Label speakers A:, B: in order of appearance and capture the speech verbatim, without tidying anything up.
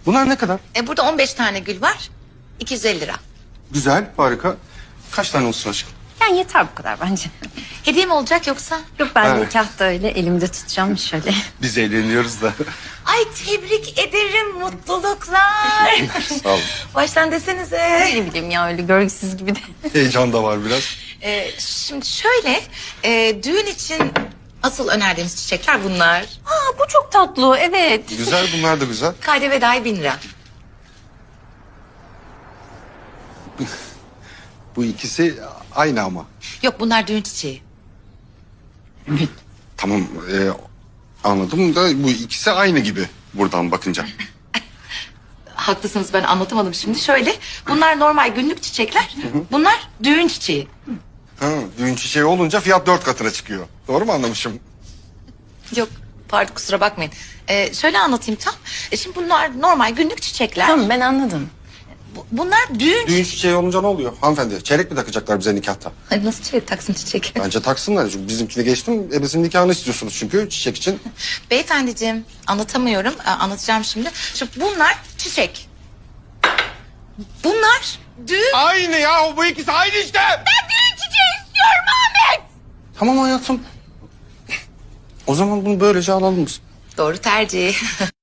A: Bunlar ne kadar?
B: E, burada on beş tane gül var. iki yüz elli lira.
A: Güzel, harika. Kaç tane olsun aşkım?
C: Yani yeter bu kadar bence.
B: Hediye mi olacak yoksa?
C: Yok ben
A: Ha.
C: de nikahta öyle elimde tutacağım şöyle.
A: Biz eğleniyoruz da.
B: Ay tebrik ederim, mutluluklar.
A: Sağ olun.
B: Baştan desenize.
C: Ne bileyim ya öyle görgüsüz gibi de.
A: Heyecan da var biraz.
B: E, şimdi şöyle, e, düğün için asıl önerdiğimiz çiçekler bunlar.
C: Aa bu çok tatlı evet.
A: Güzel, bunlar da güzel.
B: K D V dahil bin lira.
A: Bu ikisi aynı ama.
B: Yok bunlar düğün çiçeği.
A: Tamam, e, anladım da bu ikisi aynı gibi buradan bakınca.
B: Haklısınız, ben anlatamadım şimdi. Şöyle, bunlar normal günlük çiçekler. Bunlar düğün çiçeği.
A: Ha, düğün çiçeği olunca fiyat dört katına çıkıyor. Doğru mu anlamışım?
B: Yok pardon, kusura bakmayın. Ee, şöyle anlatayım tam. E, şimdi bunlar normal günlük çiçekler.
C: Tamam ben anladım.
B: Bu- bunlar düğün...
A: Düğün çiçeği olunca ne oluyor hanımefendi? Çeyrek mi takacaklar bize nikahta?
B: Ay, nasıl çiçek taksın çiçek?
A: Bence taksınlar. Çünkü bizimkini geçtim. Ebesinin nikahını istiyorsunuz çünkü çiçek için.
B: Beyefendiciğim, anlatamıyorum. Ee, anlatacağım şimdi. Şimdi bunlar çiçek. Bunlar düğün...
A: Aynı ya, bu ikisi aynı işte.
B: Ben düğün çiçeği istiyorum Ahmet.
A: Tamam hayatım. O zaman bunu böylece alalım biz.
B: Doğru tercih.